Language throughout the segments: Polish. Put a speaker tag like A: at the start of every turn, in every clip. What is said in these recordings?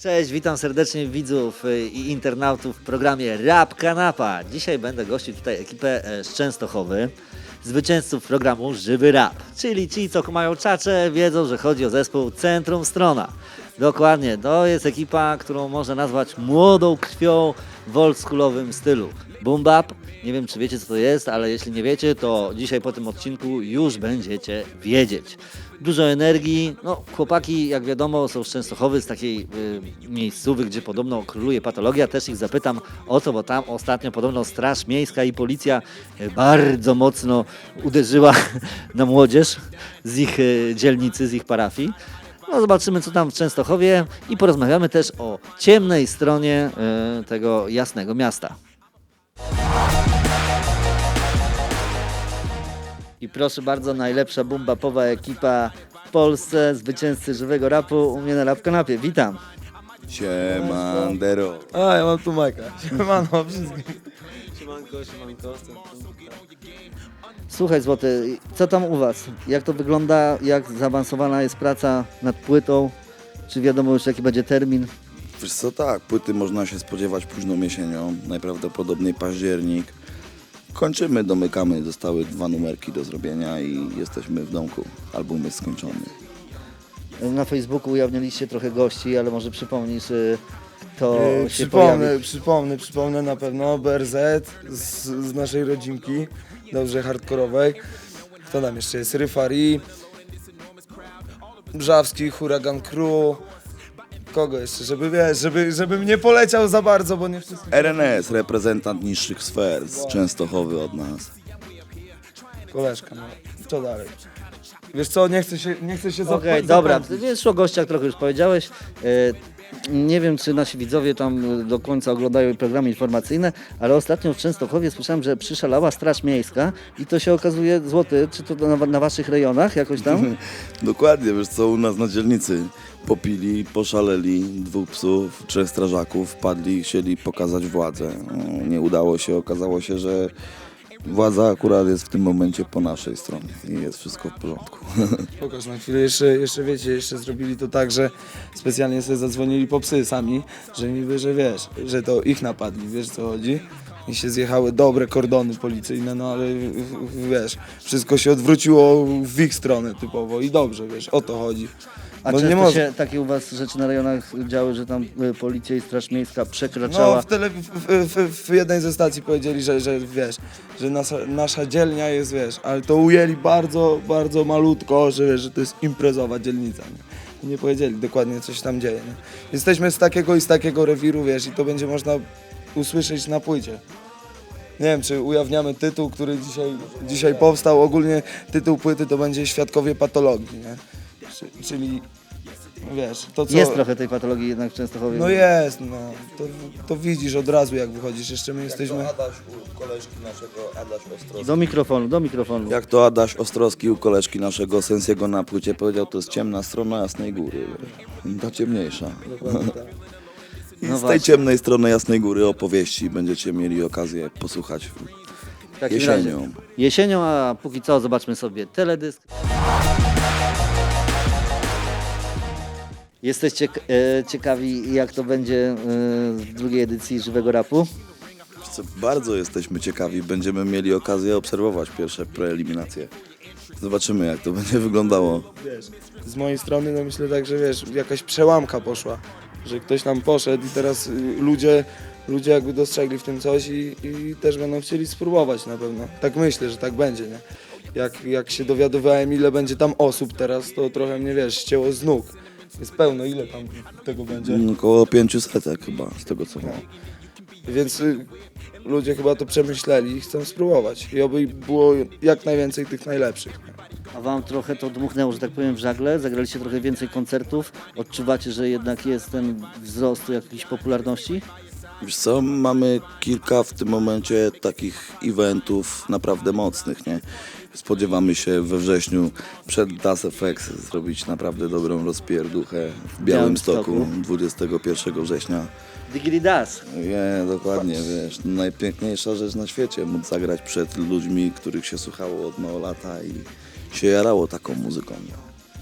A: Cześć, witam serdecznie widzów i internautów w programie Rap Kanapa. Dzisiaj będę gościł tutaj ekipę z Częstochowy, zwycięzców programu Żywy Rap. Czyli ci, co mają czacze, wiedzą, że chodzi o zespół Centrum Strona. Dokładnie, to jest ekipa, którą można nazwać młodą krwią w oldschoolowym stylu. Boom bap, nie wiem czy wiecie co to jest, ale jeśli nie wiecie, to dzisiaj po tym odcinku już będziecie wiedzieć. Dużo energii, no chłopaki jak wiadomo są z Częstochowy, z takiej miejscowy, gdzie podobno króluje patologia. Też ich zapytam o to, bo tam ostatnio podobno Straż Miejska i Policja bardzo mocno uderzyła na młodzież z ich dzielnicy, z ich parafii. No zobaczymy co tam w Częstochowie i porozmawiamy też o ciemnej stronie tego jasnego miasta. I proszę bardzo, najlepsza boom-bapowa ekipa w Polsce, zwycięzcy Żywego Rapu u mnie na Rap Kanapie. Witam.
B: Siemandero.
C: A, ja mam tu Majka. Siemano wszystkim.
D: Siemanko.
A: Słuchaj Złoty, co tam u Was? Jak to wygląda? Jak zaawansowana jest praca nad płytą? Czy wiadomo już jaki będzie termin?
B: Wiesz co, tak, płyty można się spodziewać późną jesienią, najprawdopodobniej październik. Kończymy, domykamy, zostały 2 numerki do zrobienia i jesteśmy w domku. Album jest skończony.
A: Na Facebooku ujawniliście trochę gości, ale może przypomnisz, kto się pojawi.
C: Przypomnę na pewno BRZ z naszej rodzinki, dobrze hardkorowej. Kto tam jeszcze jest? Ryfari, Brzawski, Huragan Crew. Kogo jeszcze? Żebym nie poleciał za bardzo, bo nie wszystko.
B: RNS, reprezentant niższych sfer z Częstochowy od nas.
C: Koleżka, no. Co dalej? Wiesz co, nie chcę się
A: Okej, dobra, wiesz o gościach trochę już powiedziałeś. Nie wiem, czy nasi widzowie tam do końca oglądają programy informacyjne, ale ostatnio w Częstochowie słyszałem, że przyszalała Straż Miejska i to się okazuje, Złoty, czy to na waszych rejonach jakoś tam?
B: Dokładnie, wiesz co, u nas na dzielnicy popili, poszaleli, 2 psów, 3 strażaków, wpadli, chcieli pokazać władzę. No, nie udało się, okazało się, że władza akurat jest w tym momencie po naszej stronie i jest wszystko w porządku.
C: Pokaż na chwilę, jeszcze wiecie, jeszcze zrobili to tak, że specjalnie sobie zadzwonili po psy sami, że niby, że wiesz, że to ich napadli, wiesz co chodzi? I się zjechały dobre kordony policyjne, no ale wiesz, wszystko się odwróciło w ich stronę typowo i dobrze, wiesz, o to chodzi.
A: A
C: Bo
A: często
C: nie
A: się takie u was rzeczy na rejonach działy, że tam policja i Straż Miejska
C: No
A: przekraczała?
C: w jednej ze stacji powiedzieli, że wiesz, że nasza dzielnia jest, wiesz, ale to ujęli bardzo, bardzo malutko, że wiesz, że to jest imprezowa dzielnica, nie? I nie powiedzieli dokładnie, co się tam dzieje, nie? Jesteśmy z takiego i z takiego rewiru, wiesz, i to będzie można usłyszeć na płycie. Nie wiem, czy ujawniamy tytuł, który dzisiaj powstał. Ogólnie tytuł płyty to będzie Świadkowie Patologii, nie? Czyli, wiesz, to co...
A: Jest trochę tej patologii jednak w Częstochowie.
C: No jest, no. To widzisz od razu, jak wychodzisz. Jeszcze my jesteśmy...
B: Adaś u koleżki naszego, Adaś Ostrowski.
A: Do mikrofonu.
B: Jak to Adaś Ostrowski u koleżki naszego Sensiego na płycie powiedział, to jest ciemna strona Jasnej Góry. Ta ciemniejsza. I
A: No
B: z tej
A: właśnie.
B: ciemnej strony Jasnej Góry opowieści będziecie mieli okazję posłuchać
A: W takim
B: jesienią.
A: razie. Jesienią, a póki co zobaczmy sobie teledysk. Jesteście ciekawi, jak to będzie w drugiej edycji Żywego Rapu?
B: Co bardzo jesteśmy ciekawi, będziemy mieli okazję obserwować pierwsze preeliminacje. Zobaczymy, jak to będzie wyglądało.
C: Wiesz, z mojej strony, no myślę tak, że wiesz, jakaś przełamka poszła. Że ktoś tam poszedł i teraz ludzie jakby dostrzegli w tym coś i też będą chcieli spróbować na pewno. Tak myślę, że tak będzie, nie? Jak się dowiadywałem, ile będzie tam osób teraz, to trochę mnie, wiesz, ścięło z nóg. Jest pełno, ile tam tego będzie?
B: Około 500 chyba, z tego co wiem.
C: Więc ludzie chyba to przemyśleli i chcą spróbować. I oby było jak najwięcej tych najlepszych.
A: A wam trochę to dmuchnęło, że tak powiem, w żagle? Zagraliście trochę więcej koncertów? Odczuwacie, że jednak jest ten wzrost jakiejś popularności?
B: Wiesz co, mamy kilka w tym momencie takich eventów naprawdę mocnych, nie? Spodziewamy się we wrześniu przed Das FX zrobić naprawdę dobrą rozpierduchę w Białymstoku 21 września.
A: Digiri Das.
B: Nie, dokładnie, wiesz, najpiękniejsza rzecz na świecie, móc zagrać przed ludźmi, których się słuchało od mało lata i się jarało taką muzyką.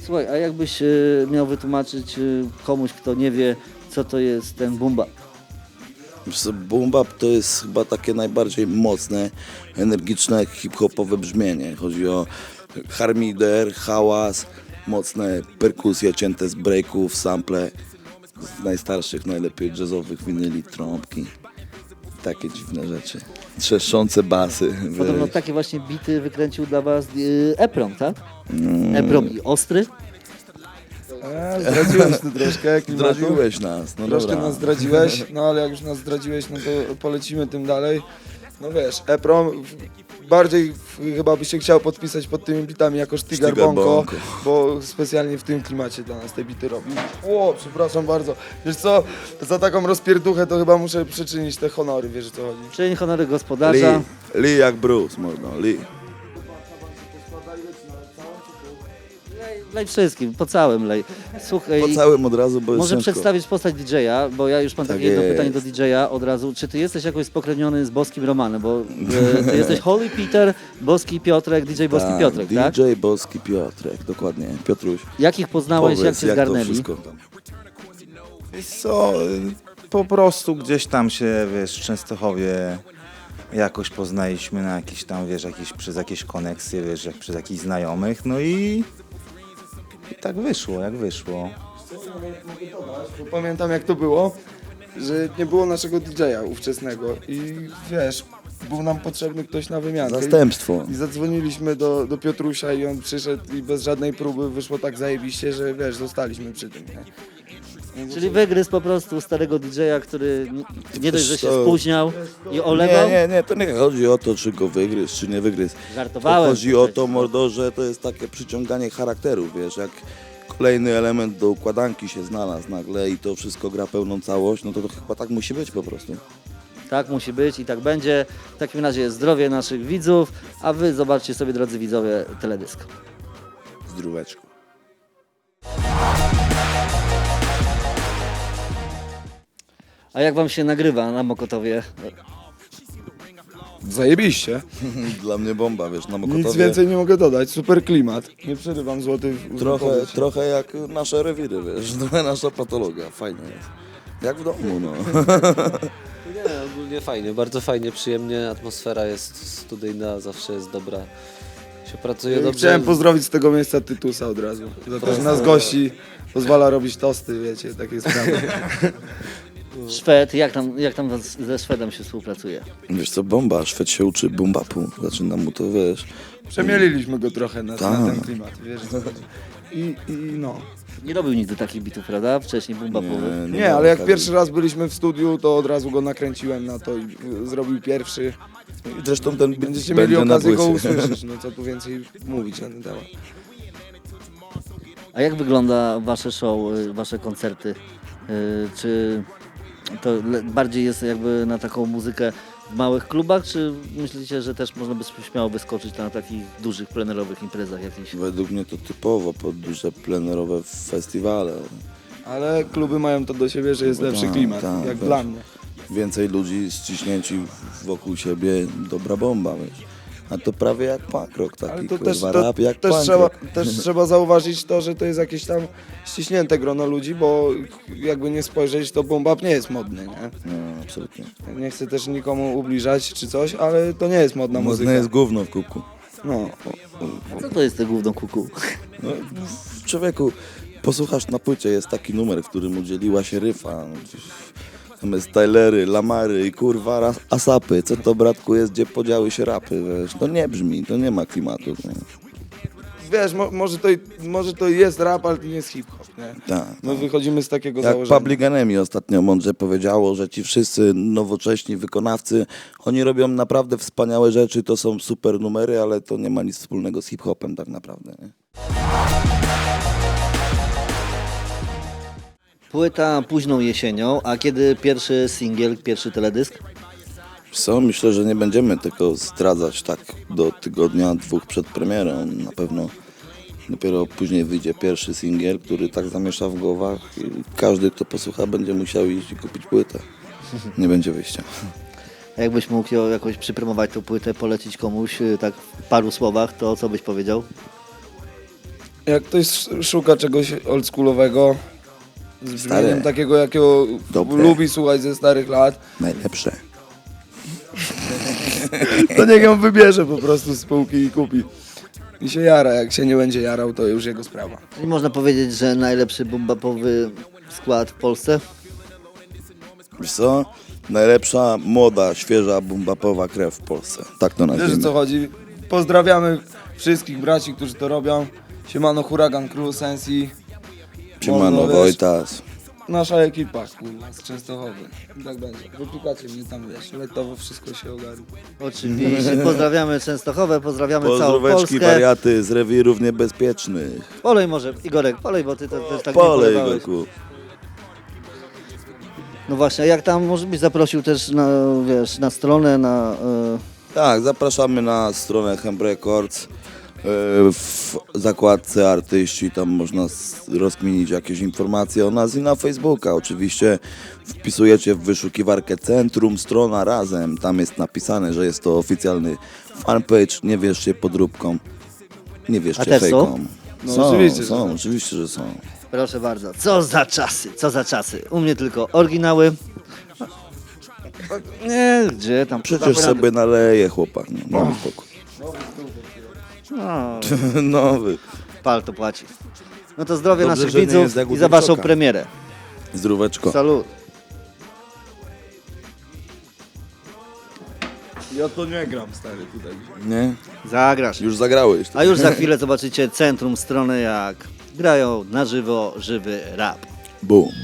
A: Słuchaj, a jakbyś miał wytłumaczyć komuś, kto nie wie, co to jest ten boom bap?
B: Wiesz co, boom bap to jest chyba takie najbardziej mocne, energiczne, hip-hopowe brzmienie. Chodzi o harmider, hałas, mocne perkusje cięte z breaków, sample z najstarszych, najlepiej jazzowych winyli, trąbki. Takie dziwne rzeczy. Trzeszczące basy.
A: Podobno
B: wiesz.
A: takie właśnie bity wykręcił dla was Eprom, tak? Eprom i Ostry.
C: Zdradziłeś tu troszkę klimatu.
B: Zdradziłeś nas, no
C: Troszkę
B: dobra.
C: nas zdradziłeś, no ale jak już nas zdradziłeś, no to polecimy tym dalej. No wiesz, Eprom bardziej chyba by się chciał podpisać pod tymi bitami jako Sztygar
B: Sztygar
C: Bonko,
B: Bonko.
C: bo specjalnie w tym klimacie dla nas te bity robił. O, przepraszam bardzo. Wiesz co, za taką rozpierduchę to chyba muszę przyczynić te honory, wiesz o co chodzi.
A: Czyń honory gospodarza.
B: Lee jak Bruce, mordo, Lee.
A: Lej wszystkim, po całym lej. Słuchaj,
B: Po całym od razu, bo jest
A: może
B: ciężko.
A: przedstawić postać DJ-a, bo ja już mam
B: Tak
A: takie jedno
B: jest.
A: pytanie do DJ-a od razu. Czy ty jesteś jakoś spokrewniony z Boskim Romanem? Bo ty jesteś Holy Peter, Boski Piotrek, DJ Boski Piotrek, tak?
B: DJ Boski Piotrek, dokładnie, Piotruś.
A: Jak ich poznałeś, jak się
B: to
A: zgarnęli?
B: wszystko tam.
D: Wiesz co, po prostu gdzieś tam się, wiesz, w Częstochowie jakoś poznaliśmy na jakieś tam, wiesz, przez jakieś koneksje, wiesz, jak przez jakichś znajomych, no i tak wyszło, jak wyszło.
C: Bo pamiętam jak to było, że nie było naszego DJ-a ówczesnego i wiesz, był nam potrzebny ktoś na wymiankę.
B: Zastępstwo.
C: I zadzwoniliśmy do Piotrusia i on przyszedł i bez żadnej próby wyszło tak zajebiście, że wiesz, zostaliśmy przy tym, nie?
A: Czyli wygryzł po prostu starego DJ-a, który nie dość, że się
B: to-
A: spóźniał i olewał.
B: Nie, to nie chodzi o to, czy go wygryzł, czy nie wygryzł.
A: Żartowałem.
B: To chodzi o to,
A: przecież.
B: mordo, że to jest takie przyciąganie charakteru, wiesz, jak kolejny element do układanki się znalazł nagle i to wszystko gra pełną całość, no to chyba tak musi być po prostu.
A: Tak musi być i tak będzie. W takim razie zdrowie naszych widzów, a wy zobaczcie sobie, drodzy widzowie, teledysk.
B: Zdróweczko.
A: A jak wam się nagrywa na Mokotowie?
C: Zajebiście.
B: Dla mnie bomba, wiesz, na Mokotowie.
C: Nic więcej nie mogę dodać, super klimat. Nie przerywam złoty w
B: Trochę jak nasze rewiry, wiesz, trochę nasza patologia, fajnie jest. Jak w domu, no.
E: Nie, ogólnie fajnie, bardzo fajnie, przyjemnie, atmosfera jest studyjna, zawsze jest dobra, się pracuje dobrze.
C: Chciałem pozdrowić z tego miejsca Tytusa od razu. Za to, że nas gości, pozwala robić tosty, wiecie, takie sprawy.
A: Szwed, jak tam ze Szwedem się współpracuje?
B: Wiesz co, bomba, Szwed się uczy bumbapu, zaczyna mu to, wiesz.
C: Przemieliliśmy go trochę na
B: Tak.
C: ten klimat, wiesz o co chodzi. I no.
A: Nie robił nigdy takich bitów, prawda? Wcześniej bumbapowych.
C: Nie, ale jak pierwszy raz byliśmy w studiu, to od razu go nakręciłem na to i zrobił pierwszy.
B: Zresztą ten
C: Będziecie
B: będzie
C: mieli
B: na
C: okazję go
B: płycie.
C: usłyszeć, no co tu więcej mówić na ten temat.
A: A jak wygląda wasze show, wasze koncerty? Czy to bardziej jest jakby na taką muzykę w małych klubach, czy myślicie, że też można by śmiało wyskoczyć na takich dużych plenerowych imprezach jakichś?
B: Według mnie to typowo pod duże plenerowe festiwale.
C: Ale kluby mają to do siebie, że jest lepszy
B: Tak,
C: klimat,
B: tak,
C: jak
B: wiesz.
C: dla mnie.
B: Więcej ludzi ściśnięci wokół siebie, dobra bomba, wiesz. A to prawie jak punk rock taki,
C: Ale to
B: kurwa,
C: też,
B: rap jak
C: też,
B: punk
C: trzeba,
B: rock.
C: też trzeba zauważyć to, że to jest jakieś tam ściśnięte grono ludzi, bo jakby nie spojrzeć, to boom-bap nie jest modny, nie?
B: No, absolutnie.
C: Nie chcę też nikomu ubliżać czy coś, ale to nie jest modna muzyka.
B: Modne jest gówno w kubku.
C: No,
A: Co to jest te gówno kuku?
B: No, człowieku, posłuchasz na płycie, jest taki numer, w którym udzieliła się ryfa. Tam jest Tylery, Lamary i kurwa Asapy. Co to, bratku, jest, gdzie podziały się rapy, wiesz? To nie brzmi, to nie ma klimatu. Nie?
C: wiesz, może to jest rap, ale to nie jest hip-hop, nie?
B: Tak.
C: My wychodzimy z takiego
B: Jak
C: założenia.
B: Public Enemy ostatnio mądrze powiedziało, że ci wszyscy nowocześni wykonawcy, oni robią naprawdę wspaniałe rzeczy, to są super numery, ale to nie ma nic wspólnego z hip-hopem tak naprawdę. Nie?
A: Płyta późną jesienią, a kiedy pierwszy singiel, pierwszy teledysk?
B: Co? Myślę, że nie będziemy tego zdradzać tak do tygodnia, dwóch przed premierą. Na pewno dopiero później wyjdzie pierwszy singiel, który tak zamiesza w głowach i każdy, kto posłucha, będzie musiał iść i kupić płytę. Nie będzie wyjścia.
A: A jakbyś mógł ją jakoś przypromować tą płytę, polecić komuś tak w paru słowach, to co byś powiedział?
C: Jak ktoś szuka czegoś oldschoolowego, z
B: Stare.
C: brzmieniem takiego, jakiego
B: Dobre.
C: lubi słuchać ze starych lat,
B: Najlepsze.
C: to niech ją wybierze po prostu z półki i kupi. I się jara, jak się nie będzie jarał, to już jego sprawa.
A: I można powiedzieć, że najlepszy bumbapowy skład w Polsce?
B: Wiesz co? Najlepsza, młoda, świeża, bumbapowa krew w Polsce. Tak to
C: Wiesz, o
B: nazwijmy.
C: co chodzi? Pozdrawiamy wszystkich braci, którzy to robią. Siemano, Huragan Crew, Sensi.
B: Siemano,
C: Mordo, wiesz,
B: Wojtas.
C: Nasza ekipa, kurwa, z Częstochowy. Tak będzie. Wypikacie mnie tam, wiesz, letowo wszystko się ogarnie.
A: Oczywiście. Pozdrawiamy Częstochowę, pozdrawiamy całą
B: Pozdróweczki,
A: Polskę.
B: wariaty z rewirów niebezpiecznych.
A: Polej może, Igorek, polej, bo ty to też tak nie
B: Polej,
A: polewałeś.
B: Igorku.
A: No właśnie, a jak tam może byś zaprosił też na, wiesz, na stronę, na...
B: Tak, zapraszamy na stronę Hemp Records. W zakładce artyści tam można rozkminić jakieś informacje o nas i na Facebooka. Oczywiście wpisujecie w wyszukiwarkę Centrum Strona Razem. Tam jest napisane, że jest to oficjalny fanpage. Nie wierzcie podróbkom. Nie
A: A
B: wierzcie
A: też są?
B: fejkom.
C: No oczywiście, że
B: są,
C: są.
B: oczywiście, że są.
A: Proszę bardzo, co za czasy, co za czasy. U mnie tylko oryginały. Nie, gdzie tam?
B: Przecież sobie naleje chłopak. No, daj spokój.
A: No,
B: Nowy.
A: pal to płaci. No to zdrowie
B: Dobrze,
A: naszych
B: że nie
A: widzów
B: jest jak u
A: i za waszą
B: Tymczoka.
A: premierę.
B: Zdróweczko.
A: Salut.
C: Ja to nie gram, stary, tutaj.
B: Nie?
A: Zagrasz.
B: Już zagrałeś.
A: A już za chwilę zobaczycie centrum strony, jak grają na żywo żywy rap.
B: Boom.